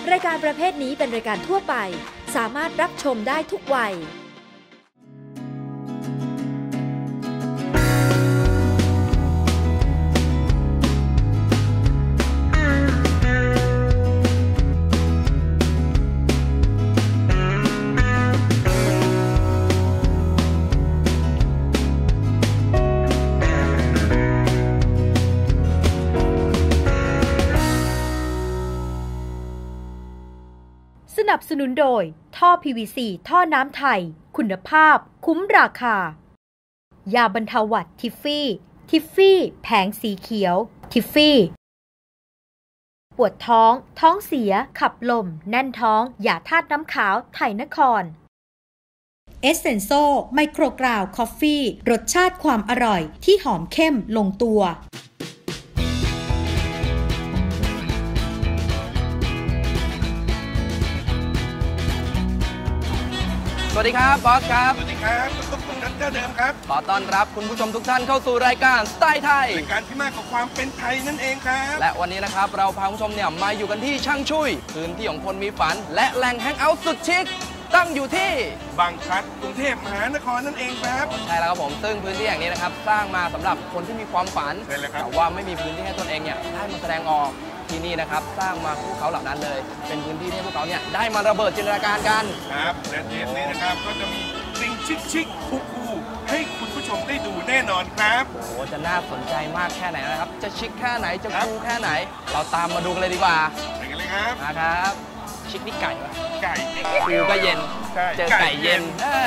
รายการประเภทนี้เป็นรายการทั่วไปสามารถรับชมได้ทุกวัยสนับสนุนโดยท่อ PVC ท่อน้ำไทยคุณภาพคุ้มราคายาบรรเทาหวัดทิฟฟี่แผงสีเขียวทิฟฟี่ปวดท้องท้องเสียขับลมแน่นท้องยาธาตุน้ำขาวไทยนครเอสเซนโซไมโครกราวคอฟฟี่รสชาติความอร่อยที่หอมเข้มลงตัวสวัสดีครับบอสครับสวัสดีครับคุณนัทเจ้าเดิมครับขอต้อนรับคุณผู้ชมทุกท่านเข้าสู่รายการสไตล์ไทยรายการที่มากกว่าความเป็นไทยนั่นเองครับและวันนี้นะครับเราพาคุณผู้ชมเนี่ยมาอยู่กันที่ช่างชุยพื้นที่ของคนมีฝันและแหล่งแฮงเอาท์สุดชิคตั้งอยู่ที่บางพลัดกรุงเทพมหานครนั่นเองครับใช่แล้วครับผมซึ่งพื้นที่แห่งนี้นะครับสร้างมาสำหรับคนที่มีความฝันแต่ว่าไม่มีพื้นที่ให้ตนเองเนี่ยได้มาแสดงออกที่นี่นะครับสร้างมาพวกเขาเหล่านั้นเลยเป็นพื้นที่ที่พวกเขาเนี่ยได้มาระเบิดจินตนาการกันครับและเทปนี้นะครับก็จะมีสิ่งชิคๆคูลๆให้คุณผู้ชมได้ดูแน่นอนครับโอ้โหจะน่าสนใจมากแค่ไหนนะครับจะชิคแค่ไหนจะคูลแค่ไหนเราตามมาดูกันเลยดีกว่าไปกันเลยครับนะครับชิคนี่ไก่ปะไก่คูลก็เย็นเจอไก่เย็น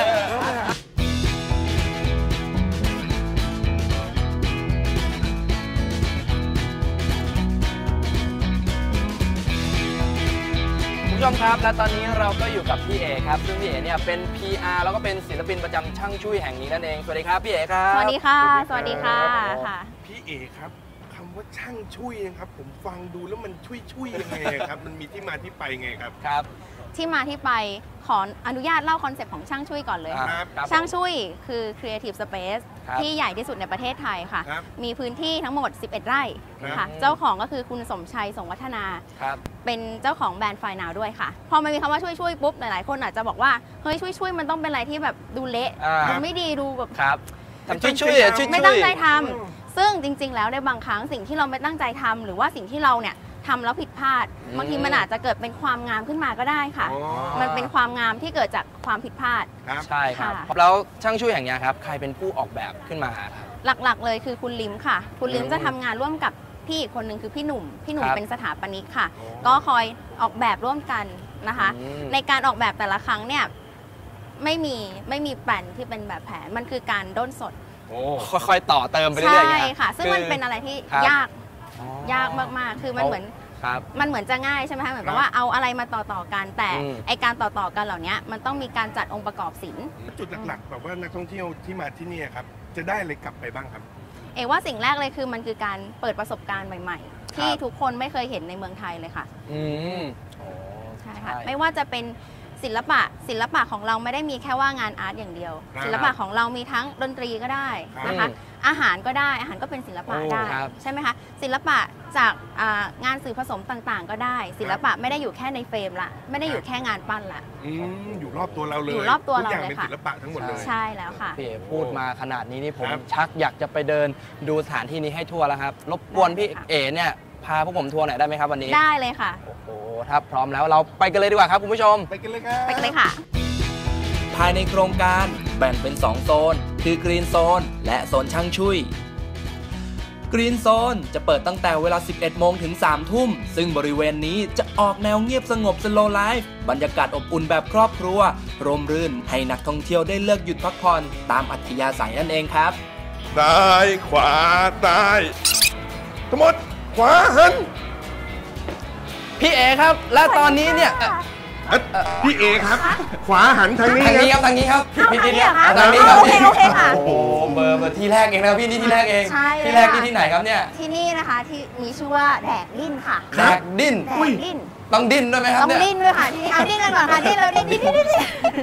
ผู้ชมครับและตอนนี้เราก็อยู่กับพี่เอครับซึ่งพี่เอเนี่ยเป็น PR แล้วก็เป็นศิลปินประจำช่างชุยแห่งนี้นั่นเองสวัสดีครับพี่เอครับสวัสดีค่ะสวัสดีค่ะพี่เอครับคำว่าช่างชุยนะครับผมฟังดูแล้วมันชุยยังไงครับมันมีที่มาที่ไปไงครับครับที่มาที่ไปขออนุญาตเล่าคอนเซปต์ของช่างชุยก่อนเลยช่างชุยคือ Creative Space ที่ใหญ่ที่สุดในประเทศไทยค่ะมีพื้นที่ทั้งหมด11ไร่ค่ะเจ้าของก็คือคุณสมชัยสงวัฒนาเป็นเจ้าของแบรนด์ไฟนาวด้วยค่ะพอมันมีคำว่าช่วยปุ๊บหลายๆคนอาจจะบอกว่าเฮ้ยช่วยมันต้องเป็นอะไรที่แบบดูเละดูไม่ดีดูแบบทำช่วยไม่ตั้งใจทำซึ่งจริงๆแล้วในบางครั้งสิ่งที่เราไม่ตั้งใจทำหรือว่าสิ่งที่เราเนี่ยทำแล้วผิดพลาดบางทีมันอาจจะเกิดเป็นความงามขึ้นมาก็ได้ค่ะมันเป็นความงามที่เกิดจากความผิดพลาดใช่ครับแล้วช่างชุยแห่งนี้ครับใครเป็นผู้ออกแบบขึ้นมาครับหลักๆเลยคือคุณลิมค่ะคุณลิมจะทำงานร่วมกับพี่อีกคนหนึ่งคือพี่หนุ่มเป็นสถาปนิกค่ะก็คอยออกแบบร่วมกันนะคะในการออกแบบแต่ละครั้งเนี่ยไม่มีแปลนที่เป็นแบบแผนมันคือการด้นสดค่อยๆต่อเติมไปเรื่อยๆใช่ค่ะซึ่งมันเป็นอะไรที่ยากมากๆคือมันเหมือนจะง่ายใช่ไหมคะเหมือนกับว่าเอาอะไรมาต่อกันแต่ไอการต่อกันเหล่านี้มันต้องมีการจัดองค์ประกอบศิลป์จุดหลักๆแบบว่านักท่องเที่ยวที่มาที่นี่ครับจะได้อะไรกลับไปบ้างครับว่าสิ่งแรกเลยคือมันคือการเปิดประสบการณ์ใหม่ๆที่ทุกคนไม่เคยเห็นในเมืองไทยเลยค่ะใช่ค่ะไม่ว่าจะเป็นศิลปะของเราไม่ได้มีแค่ว่างานอาร์ตอย่างเดียวศิลปะของเรามีทั้งดนตรีก็ได้นะคะอาหารก็ได้อาหารก็เป็นศิลปะได้ใช่ไหมคะศิลปะจากงานสื่อผสมต่างๆก็ได้ศิลปะไม่ได้อยู่แค่ในเฟรมละไม่ได้อยู่แค่งานปั้นละอยู่รอบตัวเราเลยอยู่รอบตัวเราเลยค่ะเป็นศิลปะทั้งหมดเลยใช่แล้วค่ะพี่เอ๋พูดมาขนาดนี้นี่ผมชักอยากจะไปเดินดูสถานที่นี้ให้ทั่วแล้วครับรบกวนพี่เอ๋เนี่ยพาพวกผมทัวร์หน่อยได้ไหมครับวันนี้ได้เลยค่ะโอ้โหถ้าพร้อมแล้วเราไปกันเลยดีกว่าครับคุณผู้ชมไปกันเลยครับไปกันเลยค่ะภายในโครงการแบ่งเป็น2โซนคือกรีนโซนและโซนช่างชุยกรีนโซนจะเปิดตั้งแต่เวลา 11 โมงถึง 3 ทุ่มซึ่งบริเวณนี้จะออกแนวเงียบสงบสโลว์ไลฟ์บรรยากาศอบอุ่นแบบครอบครัวร่มรื่นให้นักท่องเที่ยวได้เลือกหยุดพักผ่อนตามอัธยาศัยนั่นเองครับซ้ายขวาซ้ายทั้งหมดขวาหันพี่เอครับและตอนนี้เนี่ยพี่เอครับขวาหันทางนี้ครับทางนี้ครับพี่เนี่ยทางนี้ครับโอเคค่ะโอ้โหเบอร์ที่แรกเองนะพี่นี่ที่แรกเองที่แรกที่ไหนครับเนี่ยที่นี่นะคะที่มีชื่อว่าแดกดิ้นค่ะแดกดิ้นต้องดิ้นด้วยไหมครับต้องดิ้นด้วยค่ะดิ้นกันก่อนค่ะดิ้นแล้วดิ้น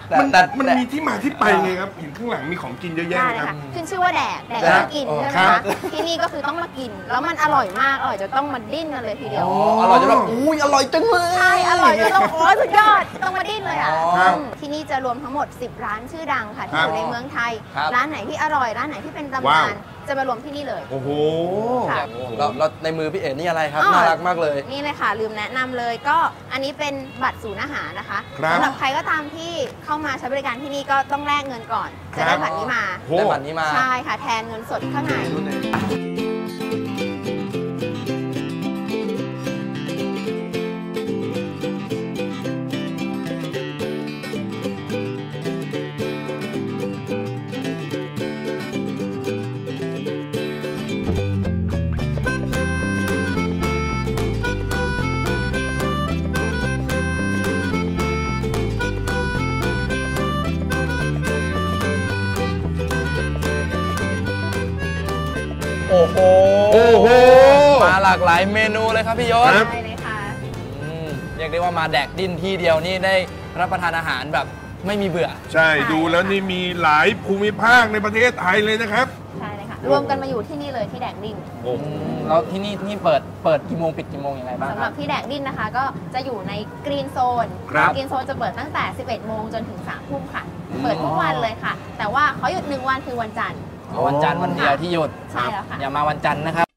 มันมีที่มาที่ไปไงครับเห็นข้างหลังมีของกินเยอะแยะได้เลยครัค่ะบขึ้นชื่อว่าแดกต้องกินใช่ไหมครัคะบที่นี่ก็คือต้องมากิน แล้วมันอร่อยมากอร่อยจะต้องมาดิ้นกันเลยทีเดียวอร่อยจนแบบอุ้ยอร่อยจังเลยใช่อร่อยจะต้องโอ้สุดยอดต้องมาดิ้นเลยอ่ะครับที่นี่จะรวมทั้งหมด 10 ร้านชื่อดังค่ะที่คอรับยู่ในเมืองไทยครับร้านไหนที่อร่อยร้านไหนที่เป็นตำว้านานวจะมารวมที่นี่เลยโอ้โหค่ะแล้วในมือพี่เอ๋นี่อะไรครับอ๋อน่ารักมากเลยนี่เลยค่ะลืมแนะนำเลยก็อันนี้เป็นบัตรศูนย์อาหารนะคะครับสำหรับใครก็ตามที่เข้ามาใช้บริการที่นี่ก็ต้องแลกเงินก่อนครัจะบได้บัตรนี้มาโอ้ได้บัตรนี้มาใช่ค่ะแทนเงินสดข้างในโอ้โหโอ้โหมาหลากหลายเมนูเลยครับพี่ยศครับได้เลยค่ะเรียกได้ว่ามาแดกดิ้นที่เดียวนี่ได้รับประทานอาหารแบบไม่มีเบื่อใช่ดูแล้วนี่มีหลายภูมิภาคในประเทศไทยเลยนะครับใช่เลยค่ะ รวมกันมาอยู่ที่นี่เลยที่แดกดินแล้วที่นี่เปิดกี่โมงปิดกี่โมงยังไงบ้างสำคหรัรับบ ที่แดกดินนะคะ ก็จะอยู่ในกรีนโซนครับกรีนโซนจะเปิดตั้งแต่ 11 โมงจนถึง 3 ทุ่มค่ะ เปิดทุกวันเลยค่ะ แต่ว่าเขาหยุด1 วันคือวันจันทร์วันจันทร์วันเดียวที่หยุดใช่แล้วค่ะอย่ามาวันจันทร์นะครับ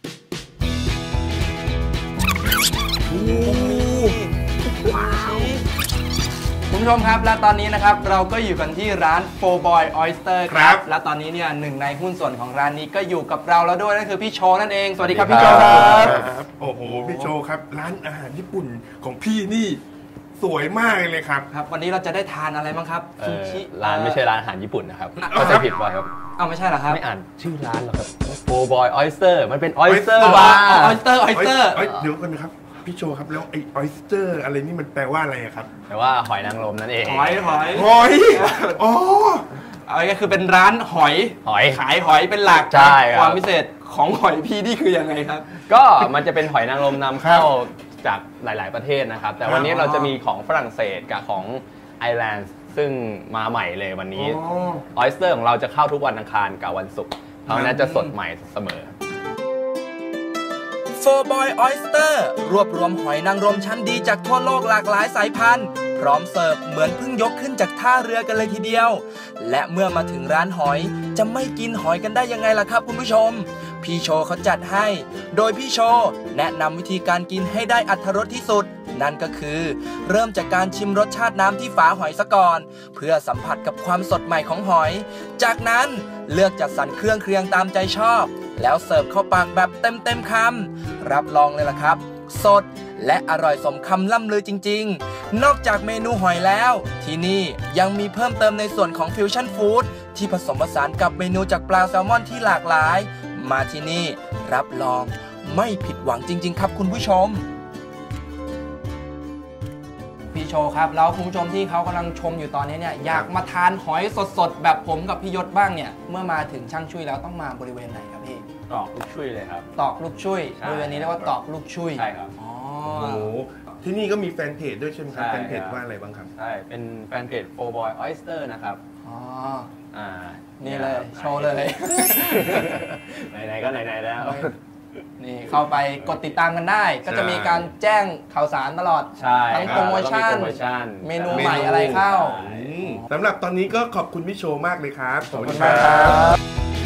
คุณผู้ชมครับและตอนนี้นะครับเราก็อยู่กันที่ร้าน Four Boy Oyster คครัรับบ และตอนนี้เนี่ยหนึ่งในหุ้นส่วนของร้านนี้ก็อยู่กับเราแล้วด้วยนั่นคือพี่โชนั่นเองสวัสดีครับพี่โชครับครับโอ้โหพี่โชครับ ร้านอาหารญี่ปุ่นของพี่นี่สวยมากเลยครับครับวันนี้เราจะได้ทานอะไรบ้างครับซูชิร้านไม่ใช่ร้านอาหารญี่ปุ่นนะครับเอาเข้าใจผิดว่าครับเอาไม่ใช่เหรอครับไม่อ่านชื่อร้านหรอกครับ Four Boy Oyster มันเป็น Oyster อ๋อ Bar ออยสเตอร์เดี๋ยวกันนะครับพี่โชครับแล้วไอ้ออยสเตอร์อะไรนี่มันแปลว่าอะไรอะครับแต่ว่าหอยนางรมนั่นเองหอยหอยอ๋อเอาก็คือเป็นร้านหอยหอยขายหอยเป็นหลักใช่ครับความพิเศษของหอยพี่นี่คือยังไงครับก็มันจะเป็นหอยนางรมนำเข้าจากหลาย ๆ ประเทศนะครับ แต่วันนี้เราจะมีของฝรั่งเศสกับของไอร์แลนด์ซึ่งมาใหม่เลยวันนี้ ออยสเตอร์ของเราจะเข้าทุกวันอังคารกับวันศุกร์เพราะฉะนั้นจะสดใหม่เสมอ Four Boy Oyster รวบรวมหอยนางรมชั้นดีจากทั่วโลกหลากหลายสายพันธุ์พร้อมเสิร์ฟเหมือนเพิ่งยกขึ้นจากท่าเรือกันเลยทีเดียว และเมื่อมาถึงร้านหอยจะไม่กินหอยกันได้ยังไงล่ะครับคุณผู้ชม พี่โชเขาจัดให้ โดยพี่โชแนะนำวิธีการกินให้ได้อรรถรสที่สุด นั่นก็คือ เริ่มจากการชิมรสชาติน้ำที่ฝาหอยซะก่อน เพื่อสัมผัสกับความสดใหม่ของหอย จากนั้นเลือกจัดสรรเครื่องเคียงตามใจชอบ แล้วเสิร์ฟเข้าปากแบบเต็มคำรับรองเลยล่ะครับ สดและอร่อยสมคำล่ำลือจริงๆ นอกจากเมนูหอยแล้ว ที่นี่ยังมีเพิ่มเติมในส่วนของฟิวชั่นฟู้ดที่ผสมผสานกับเมนูจากปลาแซลมอนที่หลากหลาย มาที่นี่รับรองไม่ผิดหวังจริงๆครับคุณผู้ชม พี่โชครับแล้วคุณผู้ชมที่เขากำลังชมอยู่ตอนนี้เนี่ยอยากมาทานหอยสดๆแบบผมกับพี่ยศบ้างเนี่ยเมื่อมาถึงช่างชุยแล้วต้องมาบริเวณไหนครับพี่ตอกลูกชุยเลยครับตอกลูกชุยใช่บริเวณนี้เรียกว่าตอกลูกชุยใช่ครับอ๋อโอ้โหที่นี่ก็มีแฟนเพจด้วยใช่ไหมครับใช่แฟนเพจครับว่าอะไรบ้างครับใช่ เป็นแฟนเพจ Four Boy Oyster นะครับอ๋ออ่านี่เลยโชว์เลยไหนๆก็ไหนๆแล้วนี่เข้าไปกดติดตามกันได้ ก็จะมีการแจ้งข่าวสารตลอดใช่ทั้งคโปบรโมชั่นแล้วก็โปรโมชั่นเมนูใหม่อะไรเข้าสำหรับตอนนี้ก็ขอบคุณพี่โชมากเลยครับขอบคุณมากครับ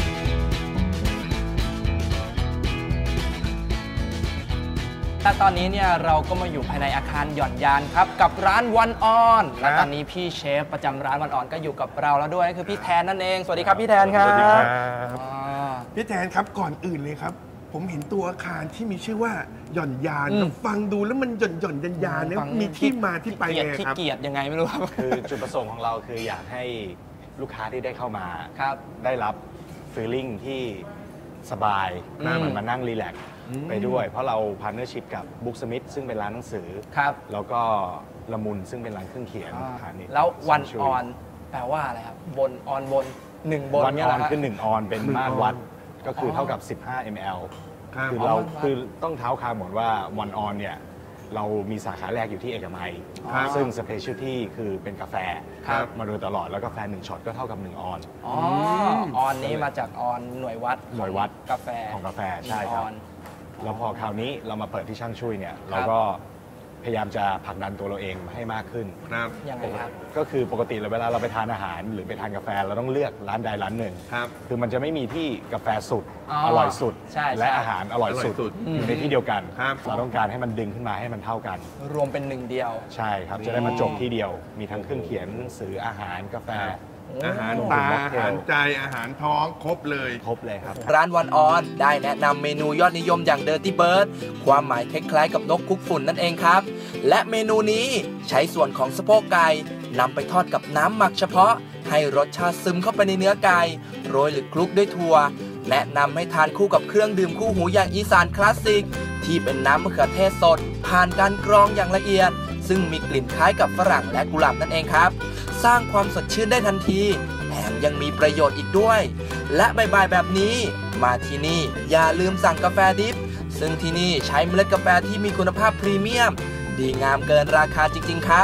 และตอนนี้เนี่ยเราก็มาอยู่ภายในอาคารหย่อนยานครับกับร้านวันออนและตอนนี้พี่เชฟประจำร้านวันออนก็อยู่กับเราแล้วด้วยคือพี่แทนนั่นเองสวัสดีครับพี่แทนครับสวัสดีครับอ๋อพี่แทนครับก่อนอื่นเลยครับ ผมเห็นตัวอาคารที่มีชื่อว่าหย่อนยาน ฟังดูแล้วมันหย่อนยานเนี่ยฟังมีที่มาที่ไปเกียรไงติขี้ครับเกียจยังไงไม่รู้ครับคือจุดประสงค์ของเราคืออยากให้ลูกค้าที่ได้เข้ามาครับได้รับฟีลลิ่งที่สบายอืมเหมือนมานั่งรีแลกซ์อืมไปด้วย เพราะเราพาร์เนอร์ชิพกับบุ๊กสมิธซึ่งเป็นร้านหนังสือครับแล้วก็ละมุนซึ่งเป็นร้านเครื่องเขียนพาณิชย์แล้ววันช่ออนแปลว่าอะไรครับบนออนบนหนึ่งบนวันเนี่อยเหอรนฮะคือ1ออนเป็นมาตรวัด ก็คือเท่ากับ 15 ml ครับคือเราคือต้องเท้าความหมดว่าวันออนเนี่ยเรามีสาขาแรกอยู่ที่เอกมัยซึ่งสเปเชียลที่คือเป็นกาแฟมาโดยตลอดแล้วกาแฟ1ช็อตก็เท่ากับ1ออนออนนี้มาจากออนหน่วยวัดกาแฟของกาแฟใช่ครับแล้วพอคราวนี้เรามาเปิดที่ช่างช่วยเนี่ยเราก็พยายามจะผลักดันตัวเราเองให้มากขึ้นครับยังไงครับก็คือปกติเวลาเราไปทานอาหารหรือไปทานกาแฟเราต้องเลือกร้านใดร้านหนึ่งคือมันจะไม่มีที่กาแฟสุดอร่อยสุดและอาหารอร่อยสุดอยู่ในที่เดียวกันเราต้องการให้มันดึงขึ้นมาให้มันเท่ากันรวมเป็นหนึ่งเดียวใช่ครับจะได้มาจบที่เดียวมีทั้งเครื่องเขียนหนังสืออาหารกาแฟอาหารตาอาหารใจอาหารท้องครบเลยครับร้านวันออนได้แนะนำเมนูยอดนิยมอย่าง Dirty Bird ความหมายคล้ายๆกับนกคุกฝุ่นนั่นเองครับและเมนูนี้ใช้ส่วนของสะโพกไก่นำไปทอดกับน้ำหมักเฉพาะให้รสชาติซึมเข้าไปในเนื้อไก่โรยหรือคลุกด้วยถั่วแนะนำให้ทานคู่กับเครื่องดื่มคู่หูอย่างอีสานคลาสสิกที่เป็นน้ำมะเขือเทศสดผ่านการกรองอย่างละเอียดซึ่งมีกลิ่นคล้ายกับฝรั่งและกุหลาบนั่นเองครับสร้างความสดชื่นได้ทันทีแถมยังมีประโยชน์อีกด้วยและบ่ายๆแบบนี้มาที่นี่อย่าลืมสั่งกาแฟดิฟซึ่งที่นี่ใช้เมล็ดกาแฟที่มีคุณภาพพรีเมียมดีงามเกินราคาจริงๆครับ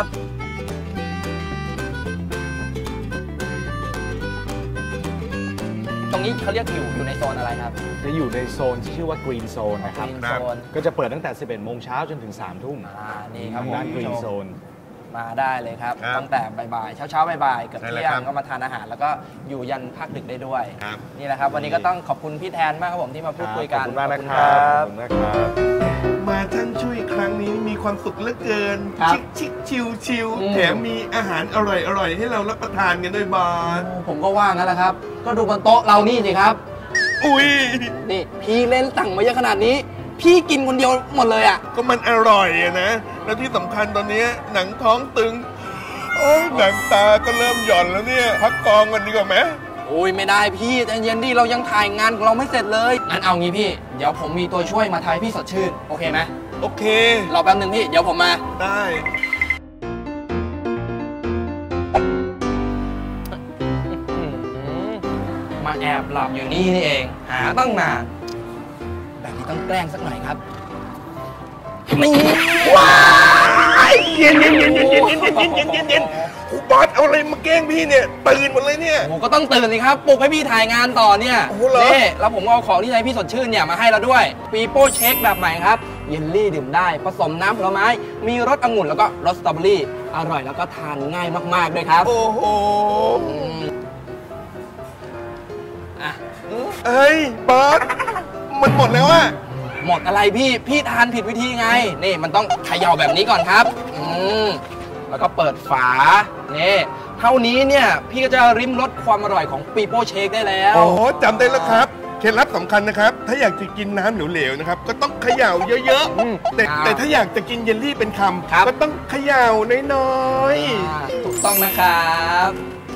ตรงนี้เขาเรียกอยู่ในโซนอะไรครับจะอยู่ในโซนที่ชื่อว่า Green Zone นะครับก็จะเปิดตั้งแต่ 11 โมงเช้าจนถึง 3 ทุ่มนี่ครับด้าน Green Zone มาได้เลยครับตั้งแต่บ่ายๆเช้าบ่ายๆเกือบเที่ยงก็มาทานอาหารแล้วก็อยู่ยันพักดึกได้ด้วยนี่แหละครับวันนี้ก็ต้องขอบคุณพี่แทนมากครับผมที่มาพูดคุยกันขอบคุณมากนะครับมาท่านช่วยครั้งนี้มีความสุขเหลือเกินชิคชิวแถมมีอาหารอร่อยให้เรารับประทานกันด้วยบาสผมก็ว่างั้นแหละครับก็ดูบนโต๊ะเรานี่สิครับอุ้ยนี่พี่เล่นสั่งมาเยอะขนาดนี้พี่กินคนเดียวหมดเลยอ่ะก็มันอร่อยอะนะแล้วที่สำคัญตอนนี้หนังท้องตึงหนังตาก็เริ่มหย่อนแล้วเนี่ยพักกองกันดีกว่าไหมโอ้ยไม่ได้พี่ใจเย็นดิเรายังถ่ายงานของเราไม่เสร็จเลยงั้นเอางี้พี่เดี๋ยวผมมีตัวช่วยมาทายพี่สดชื่นโอเคไหมโอเครอแป๊บนึงพี่เดี๋ยวผมมาได้มาแอบหลับอยู่นี่เองหาตั้งนานแบบนี้ต้องแกล้งสักหน่อยครับนี่ว้ายเย็นบอสเอาอะไรมาแกล้งพี่เนี่ยตื่นหมดเลยเนี่ยผมก็ต้องตื่นสิครับปลุกให้พี่ถ่ายงานต่อเนี่ยนี่แล้วผมเอาของที่ใช้พี่สดชื่นเนี่ยมาให้เราด้วยปีโป้เช็คแบบใหม่ครับเยลลี่ดื่มได้ผสมน้ำผลไม้มีรสองุ่นแล้วก็รสสตรอเบอรี่อร่อยแล้วก็ทานง่ายมากๆด้วยครับโอ้โหเอ้ยบอสมันหมดแล้วอะหมดอะไรพี่ทานผิดวิธีไงนี่มันต้องเขย่าแบบนี้ก่อนครับแล้วก็เปิดฝานี่เท่านี้เนี่ยพี่ก็จะริมรสความอร่อยของปีโป้เชคได้แล้วโอ้จำได้แล้วครับเคล็ดลับสำคัญนะครับถ้าอยากจะกินน้ำเหลวๆนะครับก็ต้องเขย่าเยอะๆแต่ถ้าอยากจะกินเยลลี่เป็นคำก็ต้องเขย่าน้อยๆถูกต้องนะครับ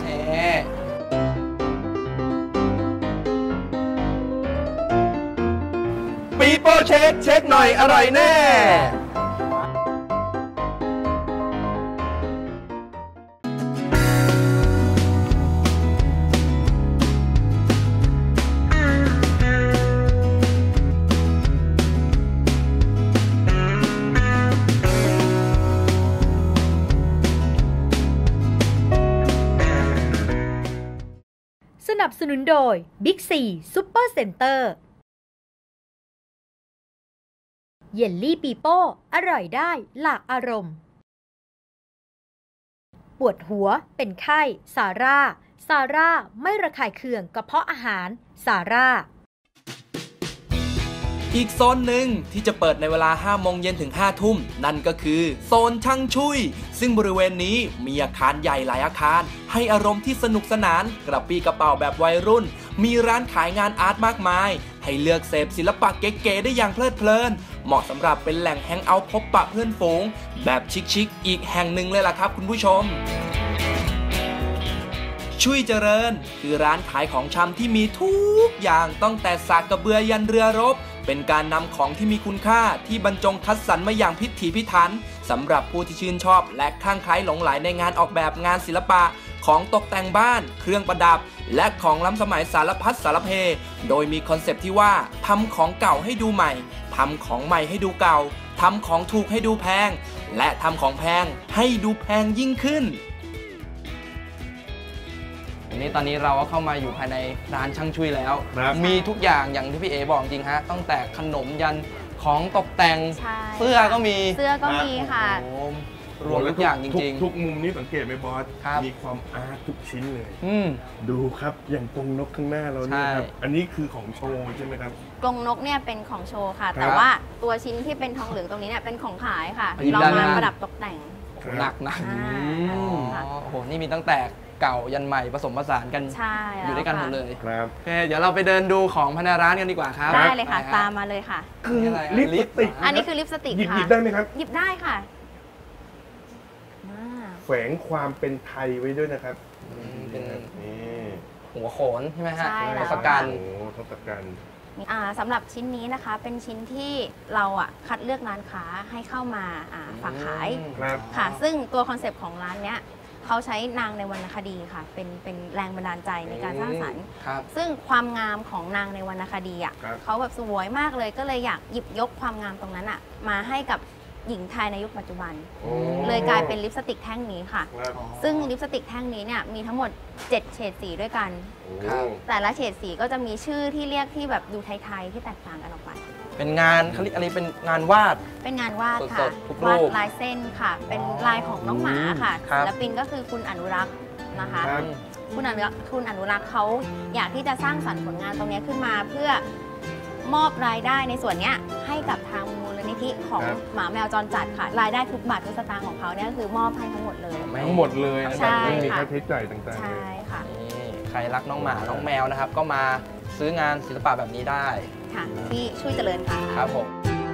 ปีโป้เช็คหน่อยอร่อยแน่สนับสนุนโดย Big C Super Center เยลลี่ปีโป้อร่อยได้หลากอารมณ์ปวดหัวเป็นไข้ซาร่าไม่ระคายเคืองกระเพาะอาหารซาร่าอีกโซนหนึ่งที่จะเปิดในเวลา 5 โมงเย็นถึง 5 ทุ่มนั่นก็คือโซนช่างชุยซึ่งบริเวณนี้มีอาคารใหญ่หลายอาคารให้อารมณ์ที่สนุกสนานกระปรี้กระเป๋าแบบวัยรุ่นมีร้านขายงานอาร์ตมากมายให้เลือกเสพศิลปะเก๋ๆได้อย่างเพลิดเพลินเหมาะสำหรับเป็นแหล่งแฮงเอาท์พบปะเพื่อนฝูงแบบชิคๆอีกแห่งหนึ่งเลยล่ะครับคุณผู้ชมชุยเจริญคือร้านขายของชำที่มีทุกอย่างตั้งแต่สากกระเบือยันเรือรบเป็นการนำของที่มีคุณค่าที่บรรจงคัดสรรมาอย่างพิถีพิถันสำหรับผู้ที่ชื่นชอบและคลั่งไคล้หลงใหลในงานออกแบบงานศิลปะของตกแต่งบ้านเครื่องประดับและของล้ำสมัยสารพัดสารเพโดยมีคอนเซปต์ที่ว่าทำของเก่าให้ดูใหม่ทำของใหม่ให้ดูเก่าทำของถูกให้ดูแพงและทำของแพงให้ดูแพงยิ่งขึ้นวันนี้ตอนนี้เราก็เข้ามาอยู่ภายในร้านช่างชุยแล้วมีทุกอย่างอย่างที่พี่เอบอกจริงฮะตั้งแต่ขนมยันของตกแต่งเสื้อก็มีค่ะรวมทุกอย่างจริงๆทุกมุมนี้สังเกตไหมบอสมีความอาร์ตทุกชิ้นเลยดูครับอย่างกรงนกข้างหน้าเราเนี่ยครับอันนี้คือของโชว์ใช่ไหมครับกรงนกเนี่ยเป็นของโชว์ค่ะแต่ว่าตัวชิ้นที่เป็นทองเหลืองตรงนี้เนี่ยเป็นของขายค่ะเรามาประดับตกแต่งหนักโอ้โหนี่มีตั้งแต่เก่ายันใหม่ผสมผสานกันอยู่ด้วยกันหมดเลยครับโอเคเดี๋ยวเราไปเดินดูของภายในร้านกันดีกว่าครับได้เลยค่ะตามมาเลยค่ะคือลิปสติกอันนี้คือลิปสติกค่ะหยิบได้ไหมครับหยิบได้ค่ะแฝงความเป็นไทยไว้ด้วยนะครับเป็นหัวโขนใช่ไหมฮะทศกัณฐ์ทศกัณฐ์สำหรับชิ้นนี้นะคะเป็นชิ้นที่เราคัดเลือกร้านค้าให้เข้ามาฝากขายค่ะซึ่งตัวคอนเซปต์ของร้านเนี้ยเขาใช้นางในวรรณคดีค่ะเป็นแรงบันดาลใจในการสร้างสรรค์ซึ่งความงามของนางในวรรณคดีเขาแบบสวยมากเลยก็เลยอยากหยิบยกความงามตรงนั้นมาให้กับหญิงไทยในยุคปัจจุบันเลยกลายเป็นลิปสติกแท่งนี้ค่ะซึ่งลิปสติกแท่งนี้เนี่ยมีทั้งหมด7เฉดสีด้วยกันแต่ละเฉดสีก็จะมีชื่อที่เรียกที่แบบดูไทยๆที่แตกต่างกันออกไปเป็นงานเขาเรียกอะไรเป็นงานวาดค่ะวาดลายเส้นค่ะเป็นลายของน้องหมาค่ะศิลปินก็คือคุณอนุรักษ์นะคะคุณอนุรักษ์เขาอยากที่จะสร้างสรรค์ผลงานตรงนี้ขึ้นมาเพื่อมอบรายได้ในส่วนนี้ให้กับทางมูลนิธิของหมาแมวจรจัดค่ะรายได้ทุกบาททุกสตางค์ของเขาเนี่ยคือมอบให้ทั้งหมดเลยทั้งหมดเลยนะครับไม่มีค่าใช้จ่ายต่างๆใช่ค่ะใครรักน้องหมาน้องแมวนะครับก็มาซื้องานศิลปะแบบนี้ได้ค่ะที่ช่วยเจริญค่ะครับผม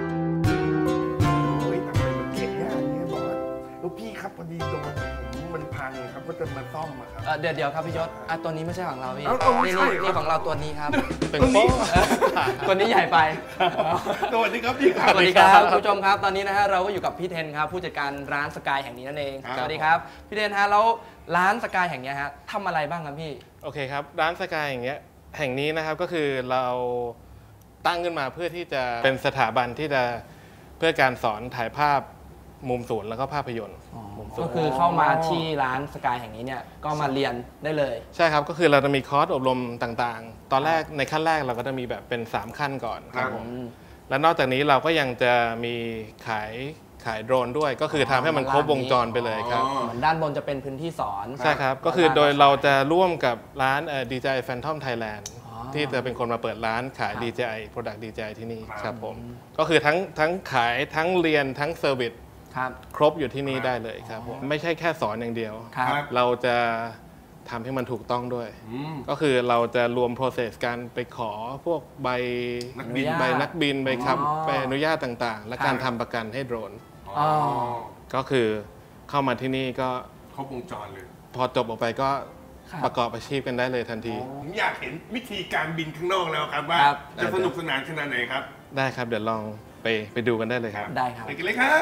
เก่งอย่างนี้บอสแล้วพี่ครับพอดีตัวมันพังครับก็จะมาซ่อมครับเดี๋ยวครับพี่ยศตัวนี้ไม่ใช่ของเราพี่นี่ของเราตัวนี้ครับเป็นโป๊ะตัวนี้ใหญ่ไปสวัสดีครับพี่ครับสวัสดีครับคุณผู้ชมครับตอนนี้นะฮะเราก็อยู่กับพี่เทนครับผู้จัดการร้านสกายแห่งนี้นั่นเองสวัสดีครับพี่เทนฮะแล้วร้านสกายแห่งนี้ฮะทำอะไรบ้างครับพี่โอเคครับร้านสกายแห่งนี้นะครับก็คือเราตั้งขึ้นมาเพื่อที่จะเป็นสถาบันที่จะเพื่อการสอนถ่ายภาพมุมสูงแล้วก็ภาพยนตร์ก็คือเข้ามาที่ร้านสกายแห่งนี้เนี่ยก็มาเรียนได้เลยใช่ครับก็คือเราจะมีคอร์สอบรมต่างๆตอนแรกในขั้นแรกเราก็จะมีแบบเป็น3ขั้นก่อนครับผมและนอกจากนี้เราก็ยังจะมีขายโดรนด้วยก็คือทำให้มันครบวงจรไปเลยครับเหมือนด้านบนจะเป็นพื้นที่สอนใช่ครับก็คือโดยเราจะร่วมกับร้าน DJI Phantom Thailand ที่จะเป็นคนมาเปิดร้านขาย DJI Product DJI ที่นี่ครับผมก็คือทั้งขายทั้งเรียนทั้งเซอร์วิสครบอยู่ที่นี่ได้เลยครับผมไม่ใช่แค่สอนอย่างเดียวเราจะทำให้มันถูกต้องด้วยก็คือเราจะรวม process การไปขอพวกใบนักบินใบขับใบอนุญาตต่างๆและการทำประกันให้โดรนก็คือเข้ามาที่นี่ก็ครบวงจรเลยพอจบออกไปก็ประกอบอาชีพกันได้เลยทันทีผมอยากเห็นวิธีการบินข้างนอกแล้วครับว่าจะสนุกสนานขนาดไหนครับได้ครับเดี๋ยวลองไปดูกันได้เลยครับได้ครับไปกันเลยครับ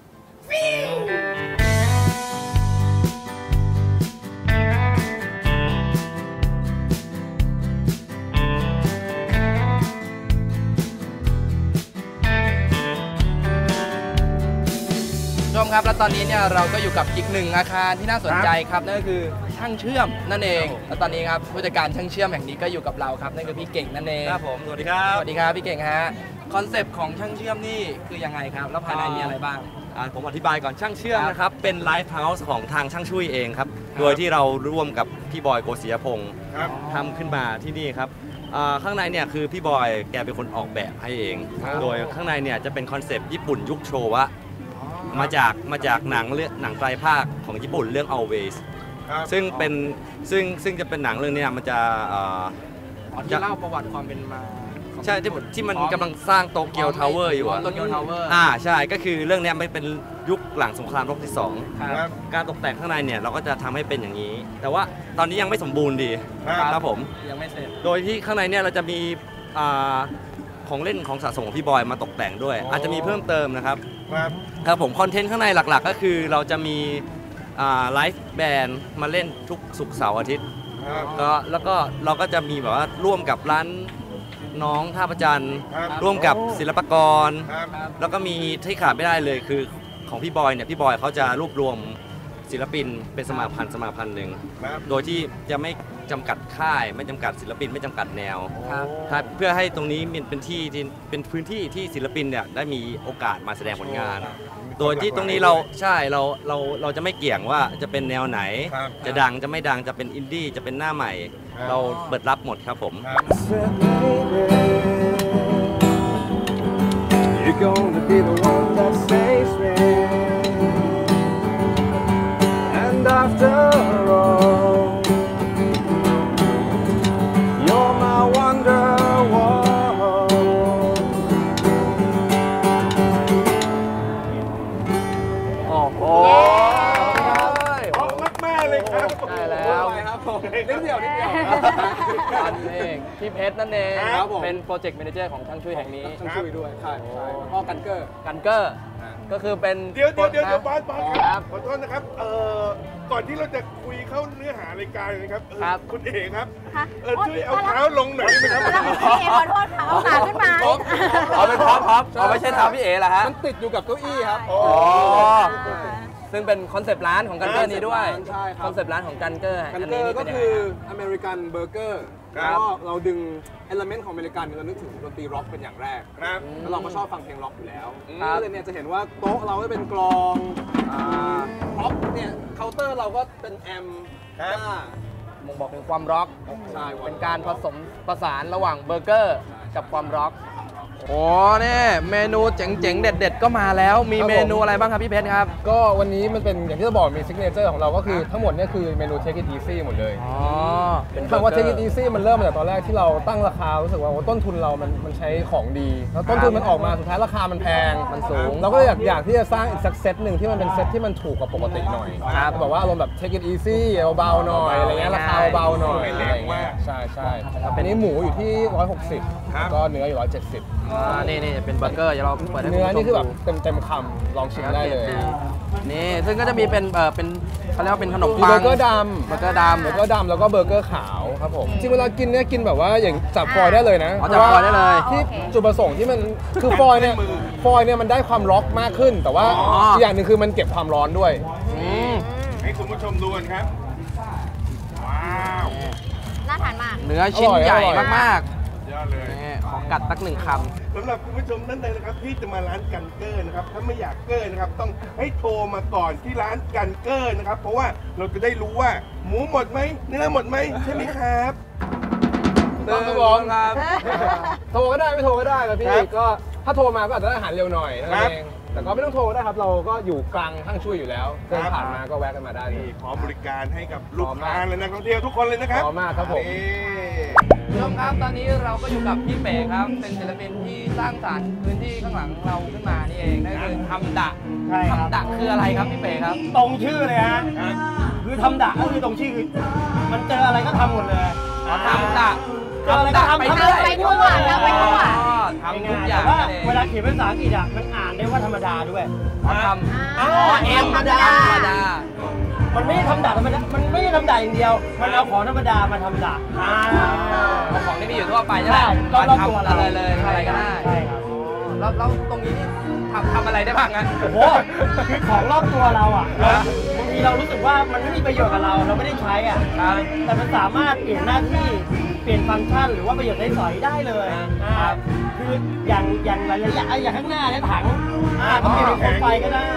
ชมครับและตอนนี้เนี่ยเราก็อยู่กับอีกหนึ่งอาคารที่น่าสนใจครับนั่นก็คือช่างเชื่อมนั่นเองและตอนนี้ครับผู้จัดการช่างเชื่อมแห่งนี้ก็อยู่กับเราครับนั่นคือพี่เก่งนั่นเองครับผมสวัสดีครับสวัสดีครับพี่เก่งฮะคอนเซปต์ของช่างเชื่อมนี่คือยังไงครับแล้วภายในมีอะไรบ้างผมอธิบายก่อนช่างเชื่อมนะครับเป็นไลฟ์เฮาส์ของทางช่างชุยเองครับโดยที่เราร่วมกับพี่บอยโกศิยพงศ์ทำขึ้นมาที่นี่ครับข้างในเนี่ยคือพี่บอยแกเป็นคนออกแบบให้เองโดยข้างในเนี่ยจะเป็นคอนเซปต์ญี่ปุ่นยุคโชวะมาจากหนังไตรภาคของญี่ปุ่นเรื่อง Always ซึ่งจะเป็นหนังเรื่องนี้มันจะที่เล่าประวัติความเป็นมาใช่ที่มันกำลังสร้างโตเกียวทาวเวอร์อยู่โตเกียวทาวเวอร์ใช่ก็คือเรื่องนี้ไม่เป็นยุคหลังสงครามโลกที่2การตกแต่งข้างในเนี่ยเราก็จะทำให้เป็นอย่างนี้แต่ว่าตอนนี้ยังไม่สมบูรณ์ดีครับผมยังไม่เสร็จโดยที่ข้างในเนี่ยเราจะมีของเล่นของสะสมของพี่บอยมาตกแต่งด้วยอาจจะมีเพิ่มเติมนะครับครับผมคอนเทนต์ข้างในหลักๆก็คือเราจะมีไลฟ์แบนด์มาเล่นทุกศุกร์เสาร์อาทิตย์แล้วก็เราก็จะมีแบบว่าร่วมกับร้านน้องท่าประจันทร์ร่วมกับศิลปากรแล้วก็มีที่ขาดไม่ได้เลยคือของพี่บอยเนี่ยพี่บอยเขาจะรวบรวมศิลปินเป็นสมาพันธ์หนึ่งโดยที่จะไม่จำกัดค่ายไม่จำกัดศิลปินไม่จำกัดแนวเพื่อให้ตรงนี้เป็นที่เป็นพื้นที่ที่ศิลปินเนี่ยได้มีโอกาสมาแสดงผลงานโดยที่ตรงนี้เราจะไม่เกี่ยงว่าจะเป็นแนวไหนจะดังจะไม่ดังจะเป็นอินดี้จะเป็นหน้าใหม่เราเปิดรับหมดครับผม You're gonna be the one that saves me and after all you're my wonderwall โอ้โหมากๆเลยครับได้แล้วครับผมนิดเดียวอันนี้พี่เพชรนั่นเองเป็นโปรเจกต์แมเนเจอร์ของช่างช่วยแห่งนี้ช่างช่วยด้วยใช่แล้วก็กันเกอร์ก็คือเป็นเดี๋ยวบอสครับขอโทษนะครับก่อนที่เราจะคุยเข้าเนื้อหารายการนะครับคุณเอ๋ครับช่วยเอาเท้าลงหน่อยได้ไหมครับพี่เอ๋ขอโทษค่ะเอาขาขึ้นมาเป็นพร็อพไม่ใช่เท้าพี่เอ๋เหรอฮะมันติดอยู่กับเก้าอี้ครับซึ่งเป็นคอนเซปต์ร้านของกันเกอร์นี้ด้วยคอนเซปต์ร้านของกันเกอร์ก็คืออเมริกันเบอร์เกอร์แล้วเราดึงเอลเมนต์ของอเมริกันเรานึกถึงดนตรีร็อกเป็นอย่างแรกแล้วเราก็ชอบฟังเพลงร็อกอยู่แล้วก็เลยเนี่ยจะเห็นว่าโต๊ะเราก็เป็นกลองร็อกเนี่ยเคาน์เตอร์เราก็เป็นแอมบ่งบอกถึงความร็อกเป็นการผสมผสานระหว่างเบอร์เกอร์กับความร็อกโอ้เนี่ยเมนูเจ๋งๆเด็ดๆก็มาแล้วมีเมนูอะไรบ้างครับพี่เพชรครับก็วันนี้มันเป็นอย่างที่จะบอกมีซิกเนเจอร์ของเราก็คือทั้งหมดเนี่ยคือเมนู Take it easy หมดเลยเป็นคำว่า Take it easy มันเริ่มมาจากตอนแรกที่เราตั้งราคารู้สึกว่าต้นทุนเรามันใช้ของดีแล้วต้นทุนมันออกมาสุดท้ายราคามันแพงมันสูงเราก็อยากที่จะสร้างอีกสักเซตหนึ่งที่มันเป็นเซตที่มันถูกกว่าปกติหน่อยแบบว่าอารมณ์แบบ Take it easy เบาๆหน่อยอะไรเงี้ยราคาเบาๆหน่อยอะไรเงี้ยใช่อันนี้หมูอยู่ที่160ก็เนื้ออยู่170 นี่เป็นเบอร์เกอร์เราเปิดให้เนื้อนี่คือแบบเต็มคำลองชิมได้เลยนี่ซึ่งก็จะมีเป็นเขาเรียกว่าเป็นขนมปังเบอร์เกอร์ดำแล้วก็เบอร์เกอร์ขาวครับผมจริงเวลากินเนี่ยกินแบบว่าอย่างจับฟอยได้เลยนะจับฟอยได้เลยที่จุดประสงค์ที่มันคือฟอยเนี่ยมันได้ความร็อกมากขึ้นแต่ว่าอีกอย่างหนึ่งคือมันเก็บความร้อนด้วยให้คุณผู้ชมดูกันครับว้าวน่าทานมากเนื้อชิ้นใหญ่มากขอกัดสัก1 คำสำหรับคุณผู้ชมท่านใดนะครับที่จะมาร้านกันเกอร์นะครับถ้าไม่อยากเกอร์นะครับต้องให้โทรมาก่อนที่ร้านกันเกอร์นะครับเพราะว่าเราจะได้รู้ว่าหมูหมดไหมเนื้อหมดไหมใช่ไหมครับต้องกระบอกครับโทรก็ได้ไม่โทรก็ได้ครับพี่ก็ถ้าโทรมาก็อาจจะได้อาหารเร็วหน่อยนั่นเองแต่ก็ไม่ต้องโทรได้ครับเราก็อยู่กลางห้างช่วยอยู่แล้วเดินผ่านมาก็แวะกันมาได้พร้อมบริการให้กับลูกค้าและนักท่องเที่ยวทุกคนเลยนะครับพร้อมมากครับผมผู้ชมครับตอนนี้เราก็อยู่กับพี่เป๋ครับเป็นศิลปินที่สร้างสรรค์พื้นที่ข้างหลังเราขึ้นมานี่เองนั่นคือทำดะคืออะไรครับพี่เป๋ครับตรงชื่อเลยฮะคือทำดะก็คือตรงชื่อคือมันเจออะไรก็ทำหมดเลยทำดะเจออะไรก็ทำไปทั่วทำไปทั่วทำทุกอย่างเวลาเขียนเป็นภาษาอังกฤษอ่ะมันอ่านได้ว่าธรรมดาด้วยทำธรรมดามันไม่ได้ทำดาธรรมดามันไม่ได้ทำดาอย่างเดียวมันเอาของธรรมดามาทำดาของที่มีอยู่ทั่วไปใช่ไหมเราทำอะไรเลยอะไรก็ได้ใช่ครับแล้วตรงนี้ทำอะไรได้บ้างงั้นโอ้โหคือของรอบตัวเราอ่ะบางทีเรารู้สึกว่ามันไม่มีประโยชน์กับเราไม่ได้ใช้อ่ะแต่มันสามารถเปลี่ยนหน้าที่เปลี่ยนฟังก์ชันหรือว่าประโยชน์สอยได้เลยคืออย่างหลายๆอย่างข้างหน้าเนี่ยถังก็เปลี่ยนเป็นโคมไฟก็ได้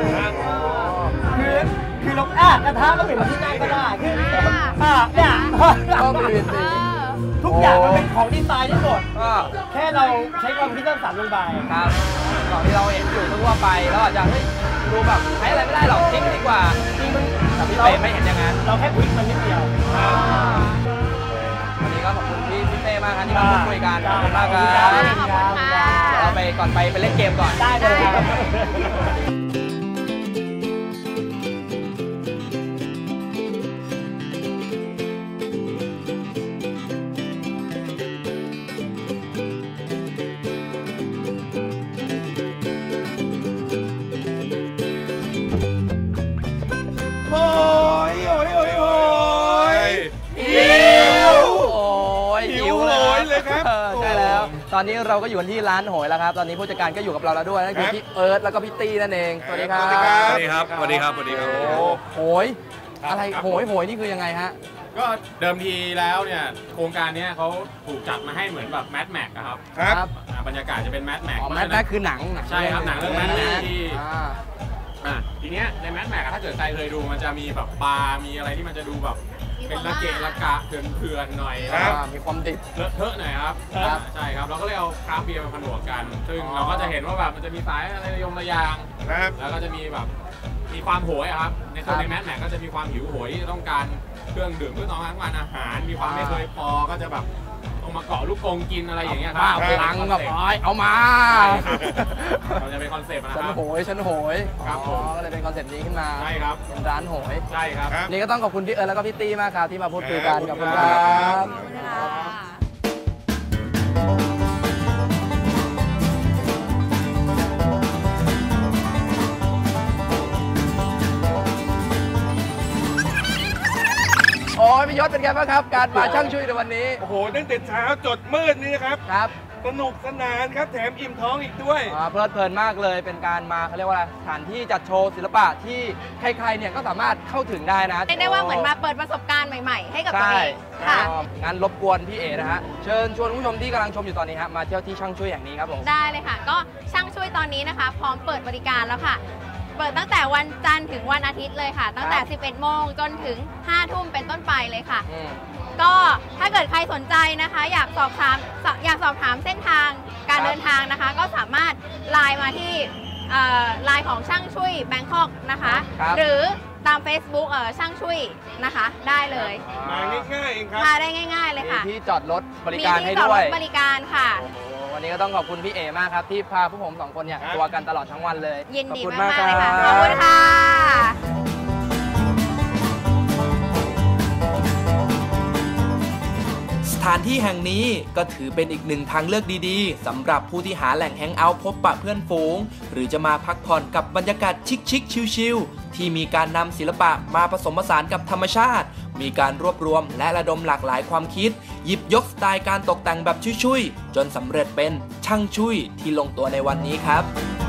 คือเรากระทะก็เปลี่ยนเป็นที่นั่งก็ได้คือเนี่ยก็เปลี่ยนทุกอย่างมันเป็นของดีไซน์ทั้งหมดแค่เราใช้ความคิดสร้างสรรค์ลงไปครับของที่เราเห็นอยู่ทั่วไปแล้วอาจจะดูแบบใช้อะไรไม่ได้หรอกทิ้งดีกว่าแต่พี่เต้ไม่เห็นอย่างนั้นเราแค่พลิกมันนิดเดียววันนี้ก็ขอบคุณพี่เต้มากครับที่มาพูดคุยกันขอบคุณมากครับเราไปก่อนไปเล่นเกมก่อนได้เลยหิวเลยครับใช่แล้วตอนนี้เราก็อยู่ที่ร้านโหยแล้วครับตอนนี้ผู้จัดการก็อยู่กับเราแล้วด้วยนั่นคือพี่เอิร์ธแล้วก็พี่ตี้นั่นเองสวัสดีครับสวัสดีครับสวัสดีครับสวัสดีครับสวัสดีครับโหยอะไรโหยนี่คือยังไงฮะก็เดิมทีแล้วเนี่ยโครงการนี้เขาถูกจัดมาให้เหมือนแบบแมทแม็กครับครับบรรยากาศจะเป็นแมทแม็กแมทแม็กคือหนังใช่ครับหนังเรื่องแมทแม็กที่ทีเนี้ยในแมทแม็กถ้าเกิดใครเคยดูมันจะมีแบบปลา มีอะไรที่มันจะดูแบบเป็นละเกะละกะเถื่อนๆหน่อยมีความดิบเลอะเทอะหน่อยครับใช่ครับเราก็เลยเอาคราฟต์เบียร์มาผนวกกัน ซึ่งเราก็จะเห็นว่าแบบมันจะมีสายอะไรระยงระยางแล้วก็จะมีแบบมีความโหยครับในคนในแมทแม็กก็จะมีความหิวโหยที่ต้องการเครื่องดื่มเพื่อต้องการอาหารมีความไม่เคยพอก็จะแบบต้องมาเกาะลูกกงกินอะไรอย่างเงี้ยครับพลังกับเอามาเราจะเป็นคอนเซ็ปต์นะครับฉันโหยครับผมก็เลยเป็นคอนเซ็ปต์นี้ขึ้นมาใช่ครับเป็นร้านโหยใช่ครับนี่ก็ต้องขอบคุณพี่เอิร์ธแล้วก็พี่ตี้มากครับที่มาพูดคุยกันกับคุณครับโอ้ยพี่ยศเป็นไงบ้างครับการมาช่างช่วยในวันนี้โอ้โหตั้งแต่เช้าจดมืดนี่ครับสนุกสนานครับแถมอิ่มท้องอีกด้วยเพลิดเพลินมากเลยเป็นการมาเขาเรียกว่าสถานที่จัดโชว์ศิลปะที่ใครๆเนี่ยก็สามารถเข้าถึงได้นะเรียกได้ว่าเหมือนมาเปิดประสบการณ์ใหม่ๆให้กับตัวเองค่ะงั้นรบกวนพี่เอ๋นะฮะเชิญชวนผู้ชมที่กำลังชมอยู่ตอนนี้ฮะมาเที่ยวที่ช่างช่วยอย่างนี้ครับผมได้เลยค่ะก็ช่างช่วยตอนนี้นะคะพร้อมเปิดบริการแล้วค่ะเปิดตั้งแต่วันจันทร์ถึงวันอาทิตย์เลยค่ะตั้งแต่ 11 โมงจนถึง 5 ทุ่มเป็นต้นไปเลยค่ะก็ถ้าเกิดใครสนใจนะคะอยากสอบถามเส้นทางการเดินทางนะคะก็สามารถไลน์มาที่ไลน์ของช่างช่วยแบงคอกนะคะหรือตาม Facebook ช่างช่วยนะคะได้เลยมาง่ายๆเองครับมาได้ง่ายๆเลยค่ะมีที่จอดรถบริการให้ด้วยมีที่จอดรถบริการค่ะวันนี้ก็ต้องขอบคุณพี่เอมากครับที่พาพวกผม2คนเนี่ยทัวร์กันตลอดทั้งวันเลยยินดีมากๆเลยค่ะขอบคุณค่ะสถานที่แห่งนี้ก็ถือเป็นอีกหนึ่งทางเลือกดีๆสำหรับผู้ที่หาแหล่งแฮงเอาท์พบปะเพื่อนฝูงหรือจะมาพักผ่อนกับบรรยากาศชิคๆชิลๆที่มีการนำศิลปะมาผสมผสานกับธรรมชาติมีการรวบรวมและระดมหลากหลายความคิดหยิบยกสไตล์การตกแต่งแบบชุยๆจนสำเร็จเป็นช่างชุยที่ลงตัวในวันนี้ครับ